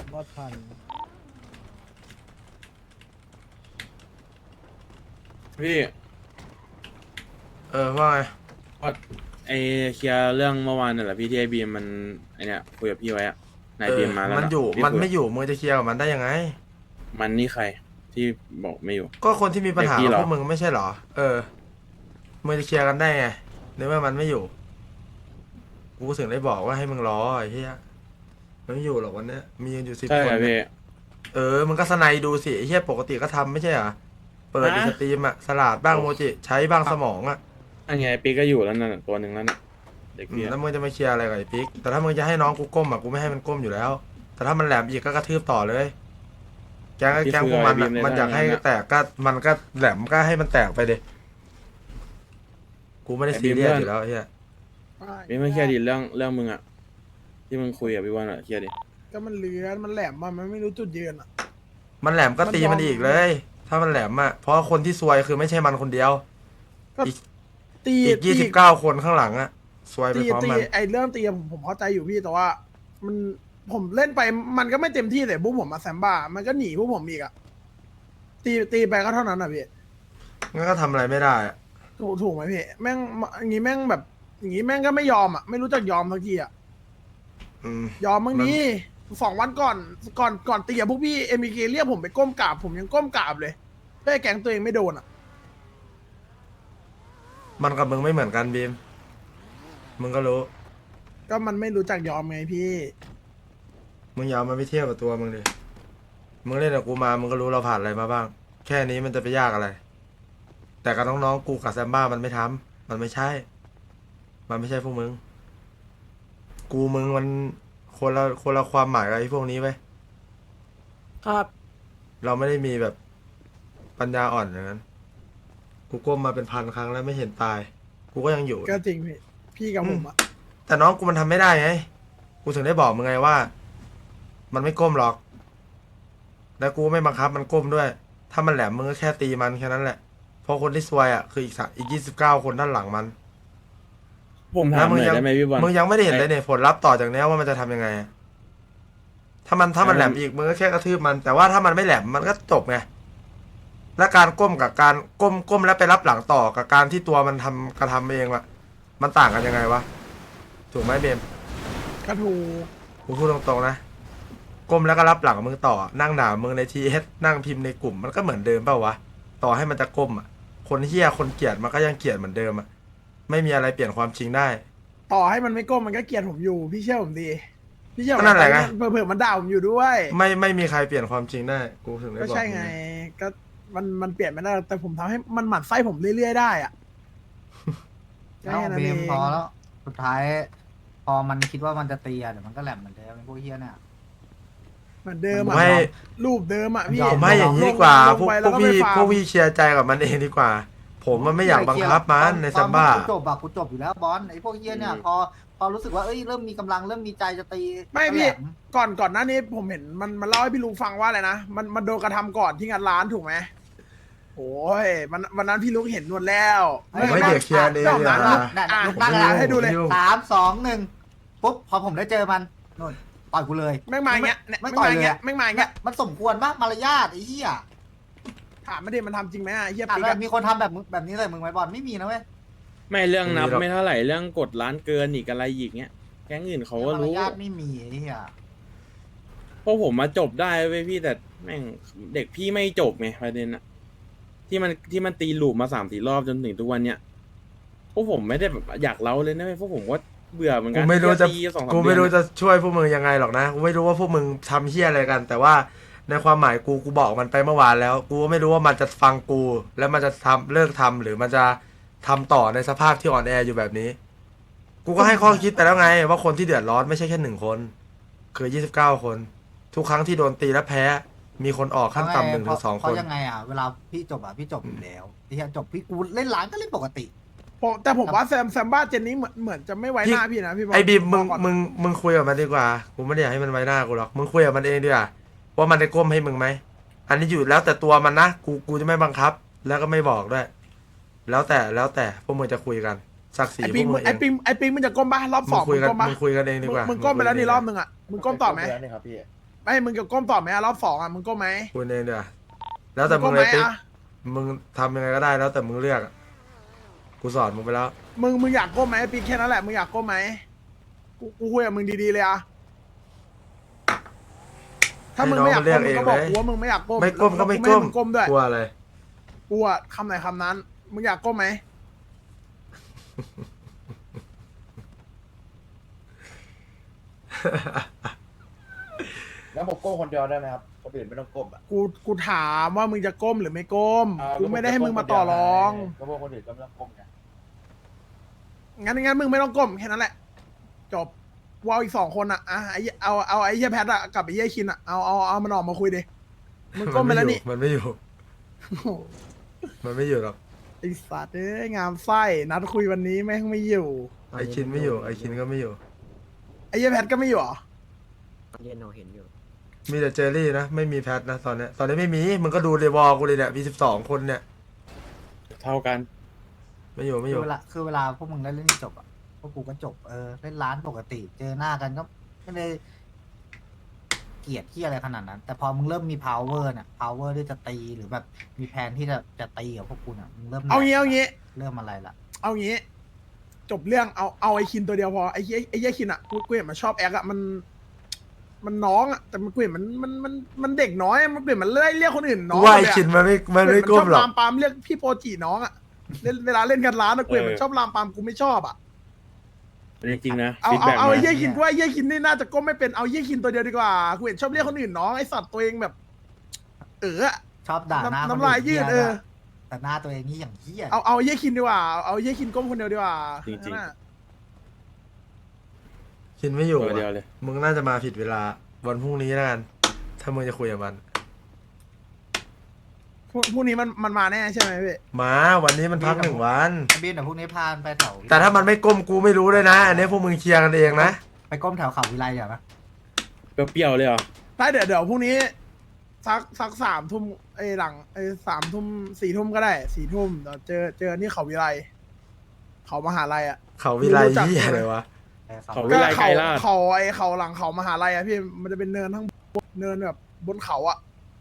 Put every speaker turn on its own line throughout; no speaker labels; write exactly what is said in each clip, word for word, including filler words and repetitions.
รอดทัน
พี่
เออว่าไง
ว่าไอเคลียร์เรื่องเมื่อวานน่ะแหละพี่ที่ไอบีมมันไอเนี้ยคุยกับพี่ไว้อะนาย
เอ
บี
อ
มมาแล้ว
มัน
นะ
อยู่
พี่
มัน
คุ
ไม่อยู่มึงจะเคลียร์กับมันได้ยังไง
มันนี่ใครที่บอกไม่อยู่
ก็คนที่มีปัญหา
เด็กพี่
กับ
เหรอ
พวกมึงไม่ใช่เหรอ เออมึงจะเคลียร์กันได้ไงในเมื่อมันไม่อยู่กูถึงได้บอกว่าให้มึงรอไอ้เหี้ยมันไม่อยู่หรอกวันเนี้ยมีกันอยู่สิบ
ใช่
คน
ครับ
เนี่
พี่
ยเออมึงก็สไนดูสิไอ้เหี้ยปกติก็ทำไม่ใช่เหรอเปิด
ฮะ
อีสตรีมอะสลัดบ้างโมจิใช้บ้างสมองอะ
อันไงปีก็อยู่แล้วนั่นนะตัวหนึ่งแล้วน่ะเด็ก
อื
พี่
ม
อะ
แล้วมึงจะมาเคลียร์อะไรกับไอ้ปิ๊กแต่ถ้ามึงจะให้น้องกูก้มอะกูไม่ให้มันก้มอยู่แล้ว แต่ถ้ามันแหลมอีกก็กระทืบต่อเลย แกงแกงพวกมันอะมันอยากให้แตกก็มันก็แหลมก็ให้มันแตกไปดิกูไม่ได้ซีเรียสอยู่แล้วไอ้เหี้ย
พี่ไม่เคลียร์ดิเรื่องเรื่องมึงอะที่มึงคุยกับพี่วันอะเคลียร์ดิ
ก็มันเลือนมันแหลมอะมันไม่รู้จุดยืนอ่ะ
มันแหลมก็ตีมันอีกเลย ถ้ามันแหลมอะเพราะคนที่ซวยคือไม่ใช่มันคนเดียว
ก็
อีก
ตี
อีกยี่สิบเก้าคนข้างหลังอะซวยไป
ตี
พร้อม
ตี
มัน
ไอเรื่องตีผมผมเข้าใจอยู่พี่แต่ว่า มันผมเล่นไปมันก็ไม่เต็มที่เลยพวกผมมาแซมบ้ามันก็หนีพวกผมอีกอ่ะตีตีไปก็เท่านั้นอ่ะพี่
งั้นก็ทำอะไรไม่ได้อะ
ถูกถูกไหมพี่แม่งอย่างงี้แม่งแบบ อย่างงี้แม่งก็ไม่ยอมอ่ะไม่รู้จักยอมสักทีอ่ะ
อืม
ยอมบางทีสองวันก่อนก่อนก่อนตีกับพวกพี่เอ็มบีเคเรียกผมไปก้มกราบผมยังก้มกราบเลยเพื่อให้แก๊งตัวเองไม่โดนอ่ะ
มันกับมึงไม่เหมือนกันบีมมึงก็รู้
ก็มันไม่รู้จักยอมไงพี่
มึงอย่าเอามันไปเทียบกับตัวมึงดิมึงเล่นกับกูมามึงก็รู้เราผ่านอะไรมาบ้าง แค่นี้มันจะไปยากอะไร แต่กับน้องๆกูกับแซมบ้ามันไม่ทำมันไม่ใช่ มันไม่ใช่พวกมึง กูมึงมันคนละคนละความหมายกับไอ้พวกนี้ไว้ย
ครับ
เราไม่ได้มีแบบปัญญาอ่อนอย่างนั้น กูก้มมาเป็นพันครั้งแล้วไม่เห็นตาย กูก็ยังอยู่
ก็จริงพี่พี่กับผมอ่ะ
แต่น้องกูมันทำไม่ได้ไง กูถึงได้บอกมึงไงว่า มันไม่ก้มหรอก แล้วกูไม่บังคับมันก้มด้วย ถ้ามันแหลมมึงก็แค่ตีมันแค่นั้นแหละ เพราะคนที่ซวยอ่ะคืออีกสอีกยี่สิบเก้าคนด้านหลังมัน
ผมถามหน่อยได้ไหมพี่บอล
มึงยังไม่ได้เห็นเลยเนี่ยผลลัพธ์ต่อจากเนี้ยว่ามันจะทำยังไงอะถ้ามันถ้ามันแหลมอีกมึงก็แค่กระทืบมัน แต่ว่าถ้ามันไม่แหลมมันก็จบไง และการก้มกับการก้มก้มแล้วไปรับหลังต่อกับการที่ตัวมันทำกระทำเองอะมันต่างกันยังไงวะ ถูกไหมเบม
ก็ถูก
กูพูดตรงๆนะ ก้มแล้วก็รับหลังมึงต่อ นั่งด่ามึงในทีเอสนั่งพิมพ์ในกลุ่มมันก็เหมือนเดิมเปล่าวะ ต่อให้มันจะก้มอ่ะ คนเฮี้ยคนเกลียดมันก็ยังเกลียดเหมือนเดิมอ่ะ ไม่มีอะไรเปลี่ยนความจริงได้
ต่อให้มันไม่ก้มมันก็เกลียดผมอยู่ พี่เชื่อผมดีพี่เชื่อผม
ก็นั่นแหละไง
เผื่อๆมันด่าผมอยู่ด้วย
ไม่ไม่มีใครเปลี่ยนความจริงได้ กูถึงได้
ก็
บอก
ใช่ไง ก็มันมันเปลี่ยนไม่ได้แต่ผมทำให้มันหมั่นไส้ผมเรื่อยๆได้อ่ะ
แล้ว
แค่นั้น
เบ
เอ
ม
ง
พอแล้ว สุดท้าย พอมันคิดว่ามันจะตีอะเดี๋ยวมันก็แหลมเหมือนเดิมไอ้พวกเฮี้ยเนี่ย
เหมือนเดิมอ่ะ
ไม่
รูปเดิมอ่ะพี่
ยอ
ไม่อย่างนี้ดีกว่า
ลง
พวก
ไป
พ
แล้ว
ก
ก็
พี่
ไม่ฟัง
พวกพี่เชียร์ใจกับมันเองดีกว่า ผมมันไม่อยากบังคับมันใน
ตอ
ซัมบ้า
กูจบอะกูจบอยู่แล้วบอลไอ้พวกเฮี้ยเนี่ยพอพอรู้สึกว่าเอ้ยเริ่มมีกำลังเริ่มมีใจจะตี
ไม่
ก็แห
พี่
ลม
ก่อนก่อนหน้านี้ผมเห็นมันมันเล่าให้พี่ลุงฟังว่าอะไรนะมันมันโดนกระทำก่อนที่งานร้านถูกไหมโอ้ยมันวันนั้นพี่ลุงเห็นนวลแล้ว
ผมไม่เดี๋ยวเคลียร์เลย
รอบนั้น
อ่ะ
นั่น
อ่ะ
ลุกนั่ง
อ่ะ
แล้ว
ให้ดูเลย
สามสองหนึ่งปุ๊บพอผมได้เจอมันนู่นต่อยกูเลย
แม่งมาอย่างเงี้ยเนี่ย
ไม่
แม่ง
ต่อ
มาย อย่าง
เลย
เงี้ย
อะ
แม่งมาอย่างเงี้ย
มันสมควรปะมารยาทไอ้เหี้ย
ถามไม่ได้มันทำจริงไหมอ่ะไอ้เฮีย
ถาม
ปิ๊ก
ว่า
อะ
มีคนทำแบบมึงแบบนี้ใส่มึงไหมบอลไม่มีนะเว้ย
ไม่เรื่องนับ
ไม่มีหรอก
ไม่เท่าไหร่เรื่องกดร้านเกินอีกอะไรอีกเนี้ยแก๊งอื่นเขาก็
มาร
รู้
ยาทไม่มีไอ้เหี้ย
เพราะผมมาจบได้เว้ยพี่แต่แม่งเด็กพี่ไม่จบไงประเด็นอะที่มันที่มันตีลูปมาสามสี่รอบจนถึงทุกวันเนี้ยพวกผมไม่ได้แบบอยากเล้าเลยนะเว้ยพวกผมก็เบื่อเหมือนกั
กู
น
ไม่รู้จะ
ตีสองสาม
กู
เดื
ไม่
อน
รู้
อะ
จะช่วยพวกมึงยังไงหรอกนะ กูไม่รู้ว่าพวกมึงทำเฮี้ยอะไรกัน แต่ว่าในความหมายกูกูบอกมันไปเมื่อวานแล้ว กูก็ไม่รู้ว่ามันจะฟังกู แล้วมันจะทำเลิกทำหรือมันจะทำต่อในสภาพที่อ่อนแออยู่แบบนี้ กูก็ให้ข้อคิดไปแล้วไง ว่าคนที่เดือดร้อนไม่ใช่แค่หนึ่งคน คือยี่สิบเก้าคน ทุกครั้งที่โดนตีและแพ้ มีคนออกขั้นต่ำหนึ่งถึงสอง
เพ
คน
ราะยังไงอ่ะเวลาพี่จบอ่ะพี่จบอยู่แล้วไอ้เหี้ยจบพี่กูเล่นร้านก็เล่นปกติ
ผมแต่ผมว่าแซมแซมบ้าเจนนี้เหมือนเหมือนจะไม่ไว้หน้าพี่นะพี่บอล
ไอ้บีมมึง
บกก่อน
มึงมึงคุยกับมันดีกว่า กูไม่ได้อยากให้มันไว้หน้ากูหรอก มึงคุยกับมันเองดีกว่าว่ามันได้ก้มให้มึงไหม อันนี้อยู่แล้วแต่ตัวมันนะ กูกูจะไม่บังคับ แล้วก็ไม่บอกด้วย แล้วแต่แล้วแต่พวกมึงจะคุยกันศักดิ์ศรี
ไอ้
พ
ปิ
ว
ง
ก
มึ
มึ
ง
งเอ
ไอ้
ง
ปิงไอ้ปิงมันจะก้มป่ะรอบ
มึ
ส
ง
อง
คุยกัน
มึงก้มป่ะ
มึงคุยกันเองดีกว่า
มึ
มึ
งก้มไปแล้วนี่รอบนึงอ่ะมึงก้มต่อไหม
ครับพี่
ไปไม่มึงจะก้มต่อไหมอะรอบสองอะมึงก้มไหม
คุณเองเดี๋ยวแล้วแต่มึ
ก้
ง
ม
เล
ไหม
ยติ๊ก
อะ
มึงทำยังไงก็ได้แล้วแต่มึงเลือกอะกูสอนมึงไปแล้ว
มึงมึงอยากก้มไหมปีแค่นั้นแหละมึงอยากก้มไหมกูกูคุยกับมึงดีๆเลยอะถ้ามึงไม่อยากก้มมึงก็บอกกูว่ามึงไม่อยากก้ม
ไม่ก้มก็ไม่
แล้ว
ก้ม
ให้งก้มด้วย
กลัวอะไร
กูอะคำไหนคำนั้น มึงอยากก้มไหม
แล้วผมก้มคนเดียวได้ไหมครับคนอื่นไม่ต้องก้มอ่ะ
กูกูถามว่ามึงจะก้มหรือไม่ก้ม
อ่า
กูไม่ได้ให้มึงมาต่อรอง
ก็พวกคนอื่นก็ไม่ต้องก้มไง
งั้นงั้นมึงไม่ต้องก้มแค่นั้นแหละ จบวาวอีกสองคนอะอ่ะไอ้เอาเอาไอ้เหี้ยแพทอะกับไอ้เหี้ยคินอะเอาเอาเอามันออกมาคุยดิมึงก้มไปแล้วนี่
มันไม่อยู่ มันไม่อยู่หรอก
ไอ้สัตว์เอ้ยงามไส้นัดคุยวันนี้แม่งไม่อยู่
ไอคินไม่อยู่ ไอคินก็ไม่อยู่
ไอ้เหี้ยแพทก็ไม่อยู่เหรอ
เย็นเราเห็นอยู่
มีแต่เจอรี่นะ ไม่มีแพทนะตอนเนี้ย ตอนนี้ไม่มี มึงก็ดูเดวอลกูเลยเนี่ย มีสิบสองคนเนี่ย
เท่ากัน
ไม่อยู่ไม่อ
คือยู่ เวลาคือเวลาพวกมึงได้เล่นจบอ่ะพวกกูก็จบเออเล่นร้านปกติ เจอหน้ากันก็ไม่ได้เกลียดที่อะไรขนาดนั้น แต่พอมึงเริ่มมี power เนี่ย power ที่จะตีหรือแบบมีแผนที่จะจะตีกับพวกกูเนี่ยมึงเริ่ม
เอางี้เอางี้
เริ่มอะไรละ
เอางี้ จบเรื่องเอาเอาไอ้คินตัวเดียวพอไอ้เหี้ยไอ้เหี้ยคินอะกูกูเห็นมันชอบแอคอะมัน มันน้องอะแต่มันกูเห็นมันมันมันมันเด็กน้อยอะมันเปลี่ยนมันไล่เรียกคนอื่นน้อง
ว่าไอ
เลยอะ
คินมันไม่ มันไม่
เน
ก้มหรอก
ชอบลามปามเรียกพี่โปรจีน้องอะเล่นเวลาเล่นกันร้านอะกูเห็นมันชอบลามปามกูไม่ชอบอะ
จริงๆนะ
เอา
ฟีด
เอา
แบ็ก
เอาไอ้เหี้
นะ
ยคินกูว่าไอ้เหี้ยคินนี่น่าจะก้มไม่เป็นเอาไอ้เหี้ยคินตัวเดียวดีกว่ากูเห็นชอบเรียกคนอื่นน้องไอ้สัตว์ตัวเองแบบ เอออะ
ชอบด่าหน้า
น้ำ
คน
น้ำลายยืด
หี้
เออ
นะแต่หน้าตัวเองนี่อย่างเหี้ย
เอาเอาไอ้เหี้ยคินดีกว่าเอาไอ้เหี้ยคินก้มคนเดียวดีกว่า
จริงๆ
นั่นน่ะ
คินไม่อยู่
ตัวเดียว
อะ
เลย
มึงน่าจะมาผิดเวลา วันพรุ่งนี้แล้วกัน ถ้ามึงจะคุยกับมัน
พรุ่งพรุ่งนี้มันมันมาแน่ใช่ไหมพี่
มา วันนี้มันพักหนึ่งวัน
ไอ้บินเดี๋ยวพวกนี้พาไปแถว
แต่ถ้ามันไม่ก้มกูไม่รู้เลยนะ อันนี้พวกมึงเคลียร์กันเองนะ
ไปก้มแถวเขาวิไลเดี๋ยวนะ
เปรี้ยวๆเลยเหรอ
ได้เดี๋ยวเดี๋ยวพรุ่งนี้สักสักสามทุ่มไอ้ยหลังไอ้สามทุ่มสี่ทุ่มก็ได้สี่ทุ่มเดี๋ยวเจอเจอที่เขาวิไลเขามหาลัยอ่ะ
เขาวิไล
รู้จัก
เหี้ยอะไรวะ
เขา วิ
ก็
ไล
เขา
ไกรลาด
เขาไอ้เขาหลังเขามหาลัยอ่ะพี่มันจะเป็นเนินทั้งเนินแบบบนเขาอ่ะ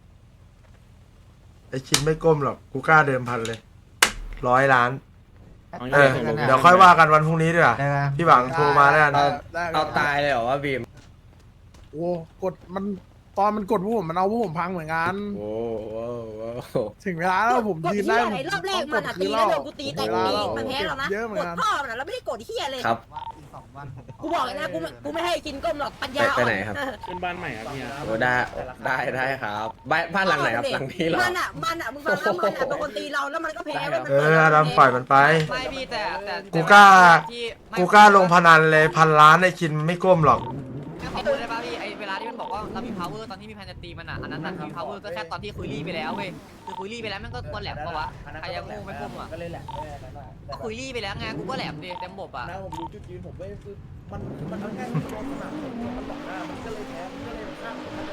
ไอคินไม่ก้มหรอก กูกล้าเดิมพันเลย ร้อยล้าน
เอา
เออ
ส่งลง
เดี๋ยวค่อยว่ากันวันพรุ่งนี้ดีกว่า
ได้ไหม
พี่หวังโทรมาแล้วกัน
ได้ได้
เอาตายเลยเหรอว่าบีม
โอ้กดมันตอนมันกดพวกผมมันเอาพวกผมพังเหมือนกัน
โอ้โห
ถึงเวลาแล้วผม
กด
ยืน
เฮี
ได้
ย
ผม
ไอ้รอบแรก
ต้
มั
อน ง
อะ
คื
ตี
น
แล้ว
ร
โด
อบ
นกูตีแต่
เว
กู
ลา
ตี
แล้ว
มันแพ้แล้วนะ
เยอะเหมือน
กด
กัน
พ่อมันอะแล้วไม่ได้กดเฮียเลย
ครับ
ว่าอีกสองวันผมขอ
กูบอกเลยนะกูไม่กูไม่ให้กินก้มหรอกปัญญา
ไปไหนครับ
ขึ้นบ้านใหม่ครับเนี่ย
โอ้ได้ได้ได้ครับบ้านบ้านหลังไหนครับหลังนี้เหรอ
มันอะมันอะมึงฟังนะมันอะเป็นคนตีเราแล้วมันก็แพ้
ได้ครับ
เอออดัมปล่อยมันไป
ไม่พี่แต่แต่
กูกล้า
ที่ไม่
กูกล้าลงพนันเลยพันล้านไอคินไม่ก้มหรอก
ไม่ขอพูดได้ป่ะพี่ไอเวลาที่มันบอกว่าเรามี power ตอนที่มีแพนจะตีมันอ่ะอันนั้นน่ะมี power ก็แค่ตอนที่คุยรี่ไปแล้วเว้ยคือคุยรี่ไปแล้วมันก็ตัวแหลมปะวะใครยังงงไม่พุ่มอ่ะ
ก็เลยแหละไม่ได้นั่นน่ะ
ก็คุยรี่ไปแล้วไงกูก็แหลมดิเต็มบบอ่ะ
นะผมรู้จุดยืนผมไม่คือมันมันเอาง่ายๆมันโดนสนามผมมันหลอกหน้ามันก็เลยแพ้มันก็เลยข้ามผมมาเลย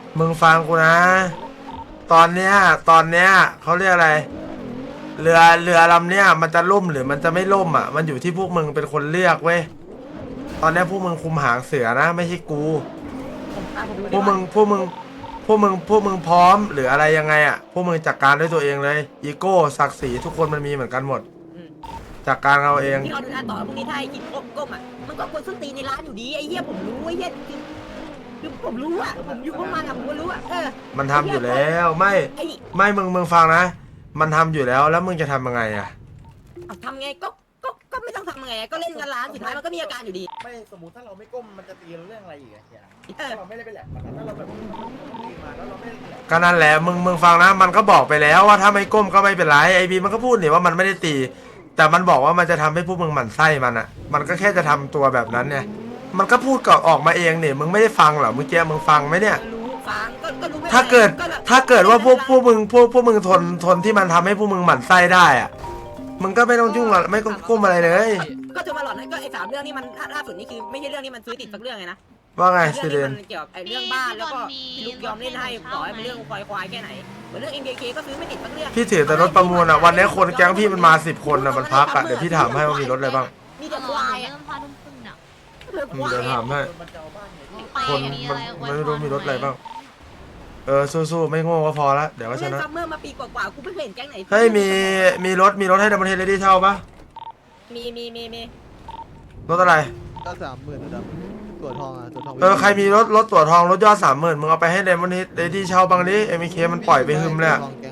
มึงฟังกูนะ ตอนเนี้ย ตอนเนี้ยเขาเรียกอะไร เรือเรือลำเนี้ยมันจะล่มหรือมันจะไม่ล่มอ่ะ มันอยู่ที่พวกมึงเป็นคนเลือกเว้ย ตอนเนี้ยพวกมึงคุมหางเสือนะ ไม่ใช่กู พวกมึงพวกมึงพวกมึงพวกมึงพร้อมหรืออะไรยังไงอ่ะ พวกมึงจัดการด้วยตัวเองเลย อีโก้ศักดิ์ศรีทุกคนมันมีเหมือนกันหมด จัดการเอาเอง
ที่เราดูหน้าต่อพวกนี้ถ้าไอ้กินก้มก้มอะมันก็ควรส้นตีนในร้านอยู่ดีไอ้เหี้ยผมรู้ไอ้เหี้ยคือคือผมรู้อะผมอยู่พวกมันอะผมก็รู้อะเออ
มันทำอยู่แล้วไม่
ไอ้
ไม่มึงมึงฟังนะ มันทำอยู่แล้วแล้วมึงจะทำยังไงอ่ะ
เอาทำไงก็ก็ก็ไม่ต้องทำไงก็เล่นกันร้านสุดท้ายมันก็มีอาการอยู่ดี
ไม่สมมติถ้าเราไม่ก้มมันจะตีเราเรื่องอะไรอีกอะอย่าง
เออ
ถ้าเราไม่ได้ไปแหลกมันถ้าเราแบบตีมาแล้วเราไม่ได้แหลก
ก็นั่นแหละมึงมึงฟังนะ มันก็บอกไปแล้วว่าถ้าไม่ก้มก็ไม่เป็นไรไอบีมันก็พูดนี่ว่ามันไม่ได้ตี แต่มันบอกว่ามันจะทำให้พวกมึงหมั่นไส้มันอ่ะ มันก็แค่จะทำตัวแบบนั้นเนี่ยมันก็พูดก่อนออกมาเองเนี่ยมึงไม่ได้ฟังเหรอเมื่อกี้มึงฟังไหมเนี่ย
รู้ฟังก็ก็รู้ไม่
ถ้าเกิด
แบบ
ถ้าเกิดว่าพวกพวกมึงพวกพวกมึงทนทนที่มันทำให้พวกมึงหมั่นไส้ได้อ่ะมึงก็ไม่ต้องยุ่งอะไม่ต้องก้มอะไรเลย
ก็จะมาหลอนก็ไอ้สามเรื่องนี้มันล่าสุดนี่คือไม่ใช่เรื่องนี้มันซื้อติดสักเรื่องไงนะ
ว่าไง
เรื่
ซิ
อง
เร
ที่
น
มันเกี่ยวกับไอ้เรื่องบ้านแล้วก็พี่ลุกยอมเล่นให้ต่อให้เป็นเรื่องควายควายแค่ไหนเหมือนเรื่อง เอ็ม เค เค ก็ซื้อไม่ติดสักเรื่อง
พี่ถือแต่รถประมูลอ่ะวันนี้คนแก๊งพี่มันมาสิบคนอ่ะมันพักอ่ะเดี๋ยวพี่ถามให้ว่ามีรถอะไรบ้าง
มีแต่ควายอะ
เริ่มพานุ่มขึ้นอ่ะ
เรื่องควาย
เดี๋ยวถามให้
มันจะเอาบ้านไง
ไป
คนมันมันไม่รู้มีรถอะไรบ้างเออสู้ๆไม่โง่ก็พอละเดี๋ยวก็ช
เล่น
นะ
ซัมเมอร์มาปีกว่าๆกูไม่เคยเห็นแก๊งไหน
เฮ้ยมีมีรถมีรถให้ดับเบิลเฮดเลดี้เช่าปะ
มีมีมีมี
รถอะไร
ก็สามหมื่นนะครับตัวทองอ่ะตัวทอง
เออใครมีรถรถตั๋วทองรถยอดสามหมื่นมึงเอาไปให้ดับเบิลเฮดเลดี้เช่าบางดิเอ็มเคมันปล่อยไปหึมเลยอะ
ทองแกง